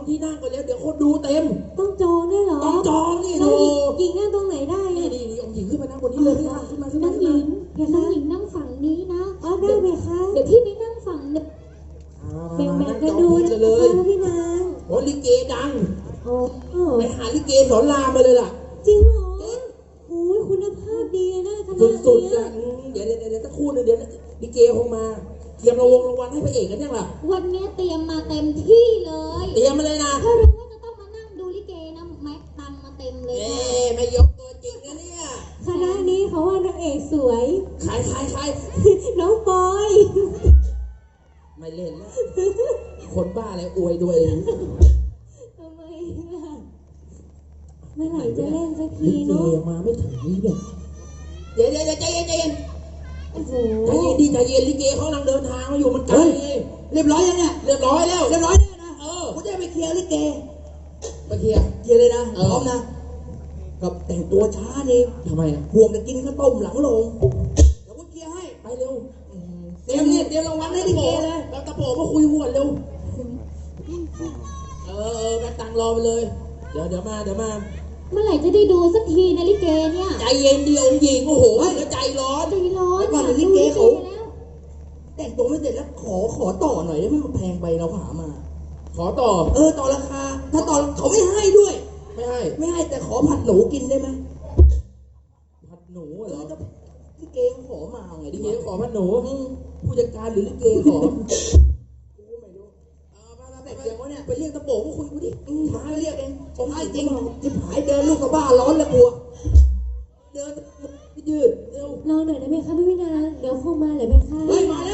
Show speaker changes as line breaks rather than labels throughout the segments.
ที่นั่งกันแล้วเดี๋ยวคนดูเต็ม
ต้องจองด้วยเหรอ
ต้องจองนี่
แล้
ดู
วหญิงนั่งตรงไหนได้
นี่องค์หญิงขึ้นมานั่งบนนี้เลยพี่ขึ้นมา
น้องหญิง
น้องหญิงนั่งฝั่งนี้นะ
ได้ไหมคะ
เดี๋ยวพี่ไปนั่งฝั่งนึง
แบ่งกันดูนะคะพี่นาง
โอ้ลิเกดัง
โอ้
ไปหาลิเกสอนรามมาเลยล่ะ
จริงเหรอโอ้ยคุณภาพดีนะคณะนี้
สุดๆอ่ะเดี๋ยวสักครู่นึงเดี๋ยวลิเกคงมาเตรียมรางวัลให้พระเอกกันยังล่ะ
วันนี้เตรียมมาเต็มที่เลย
เตรียมมาเลยนะ
ถ้ารู้ว่าจะต้องมานั่งดูลิเกนะแม็กตังมาเต็มเลย
ไม่ยกตัวจริงนะเนี่ย
คณะนี้เขาว่านางเอกสวย
ใคร
น้องปอย
ไม่เล่นแล้วคนบ้าอะไรอวยตัวเอง
ทำไมล่ะเมื่อไหร่จะเล่นสักทีเนาะ
มาไม่ถึงนี่เนี่ยเดี๋ยวใจเย็น
โอ้โห
ใจเย็นลิเกเขากำลังเดินทางมาอยู่มันไกลเรียบร้อยยังเนี่ยเรียบร้อยแล้วแน่นะกูจะไปเคลียร์ลิเกไปเคลียร์เลยนะพร้อมนะกับแต่งตัวช้านี่ทำไมอ่ะห่วงจะกินข้าวต้มหลังโรงเดี๋ยวกูเคลียร์ให้ไปเร็วเตรียมรางวัลให้ลิเกเลยแล้วตะโปมาคุยหวนเร็วแม่ตังรอไปเลยเดี๋ยวมา
เมื่อไหร่จะได้ดูสักทีนะลิเกเนี่ย
ใจเย็นดีองค์หญิงโอ้โหแล้วใจร้อน
ก่อน
ลิเกเขาแต่งตัวไม่เสร็จแล้วขอต่อหน่อยได้ไหมมันแพงไปเราหามาขอต่อต่อราคาถ้าต่อเขาไม่ให้ด้วยไม่ให้แต่ขอผัดหนูกินได้ไหมผัดหนูเหรอลิเกเขาขอมาไงลิเกขอผัดหนูผู้จัดการหรือลิเกขอไม่รู้แต่เดี๋ยวเนี่ยไปเรียกตะโปมาคุยกูดิมาเรียกเองผมให้จริงจะหายเดินลูกกับบ้าร้อนแล้วกลัวเดินยืดเร็ว
รอหน่อยได้ไหมคะพี่นางเดี๋ยวเข้ามาเลยไหมคะ
มาแล้ว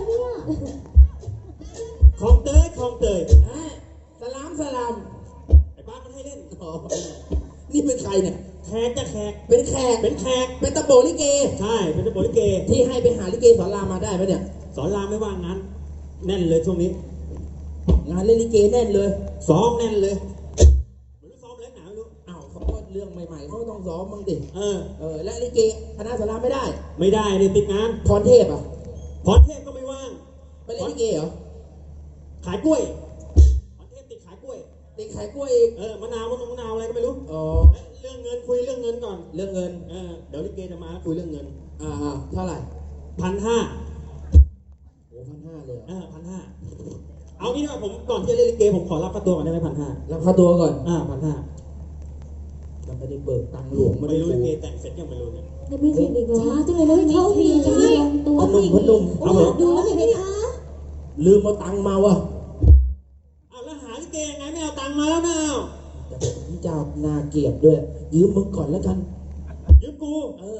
ของเตยสลามไอ้ป้ามันให้เล่นนี่เป็นใครเนี่ยแขกเป็นแขกเป็นตะโปลิเกใช่เป็นตะโปลิเกที่ให้ไปหาลิเกสอนรามมาได้ไหมเนี่ยสอนรามไม่ว่างงานแน่นเลยช่วงนี้งานเล่นลิเกแน่นเลยซ้อมแน่นเลยเหมือนซ้อมแล้วหนาวลูกอ้าวเขาก็เรื่องใหม่ๆเขาต้องซ้อมบ้างดิและลิเกคณะสอนรามไม่ได้เนี่ยติดงานพรเทพก็ไม่ว่างไปเล่นลิเกเหรอขายกล้วยพรเทพติดขายกล้วยอีกมะนาวอะไรก็ไม่รู้เรื่องเงินคุยเรื่องเงินก่อนเรื่องเงินเดี๋ยวลิเกจะมาคุยเรื่องเงินเท่าไหร่1,500โอ้1,500เลย1,500เอางี้ดีกว่าผมก่อนที่จะเล่นลิเกผมขอรับค่าตัวก่อนได้ไหม1,500รับค่าตัวก่อน1,500มันไม่ได้เบิกตังค์หลวงไม่รู้ลิเกแต่งเสร็จยังไม่รู้เนี่ย
ไม่เสร็จอีกเหรอช้าจังเลยนะเขาดีใช่
ตัวนุ่ม
เอาดูเลยไหมคะ
ลืมเอาตังค์มาวะแล้วหาลิเกยังไงไม่เอาตังค์มาแล้วนะแต่ผมจะนาเกียรติด้วยยืมมึงก่อนแล้วกันยืมกู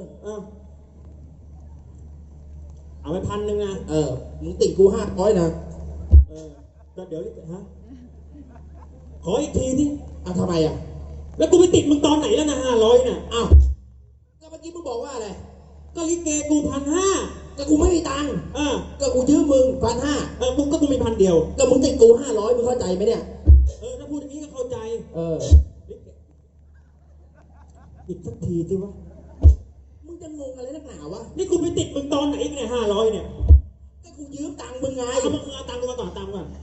เอาไป1,000นะมึงติดกู500นะก็เดี๋ยวขออีกทีนี่ทำไมแล้วกูไปติดมึงตอนไหนแล้วนะ500นะก็เมื่อกี้มึงบอกว่าอะไรก็ลิเกกู1,500ก็กูไม่มีตังค์ก็กูยืมมึง1,500มึงก็กูมี1,000เดียวก็มึงติดกู500มึงเข้าใจไหมเนี่ยถ้าพูดอย่างนี้ก็เข้าใจอีกสักทีสิวะมึงจะงงอะไรนักหนาวะนี่กูไปติดมึงตอนไหนเนี่ย500เนี่ยก็กูยืมตังค์มึงไงมึงเอาตังค์กูมาก่อน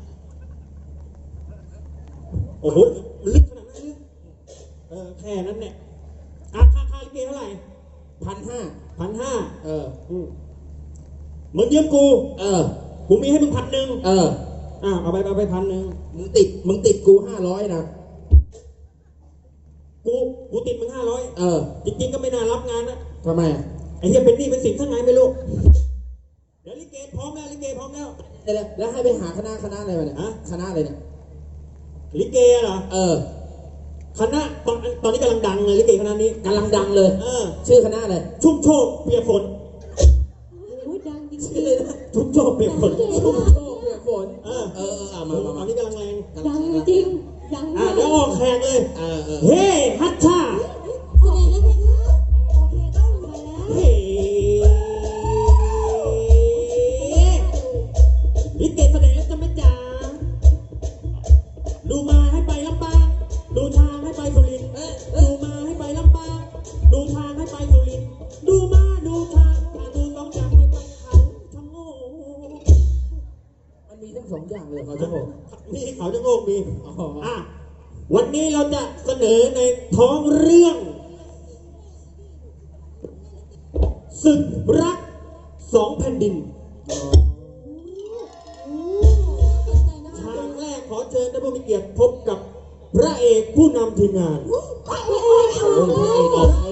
โอ้โหลึกขนาดนั้นเลยแค่นั้นเนี่ยค่าลิเกเท่าไหร่1,500มึงยืมกูกูมีให้มึง1,000เอาไป1,000มึงติดกู500นะกูติดมึง500จริงๆก็ไม่น่ารับงานนะทำไมไอ้เหี้ยเป็นหนี้เป็นสินทั้งไงไม่รู้เดี๋ยวลิเกพร้อมแล้วแล้วให้ไปหาคณะอะไรมาเนี่ยคณะอะไรเนี่ยลิเกเหรอคณะตอนนี้กำลังดังเลยลิเกคณะนี้กำลังดังเลยชื่อคณะอะไรชุ่มโชคเปียกฝน
ดังจริง
เลยนะชุ่มโชคเปียกฝนมาตอนนี้กำลังแรง
ดังจริงดัง
เดี๋ยวออกแขกเลยเฮ้ฮัทชาลิเกแสดงแล้วจะไม่จ๋าดูมาให้ไปลำปางดูทางให้ไปสุรินทร์ดูมาให้ไปลำปางดูทางให้ไปสุรินทร์ดูมาดูทางดูสองอย่างให้ไปเขาชะโงกมันมี
มีทั้งสองอย่างเลย
เขาจะโงกมีเขาจะโงกมี
อ๋อ
อ่ะวันนี้เราจะเสนอในท้องเรื่องศึกรักสองแผ่นดินฉากแรกขอเชิญท่านผู้มีเกียรติพบกับพระเอกผู้นำทีมงาน
พระเอกออก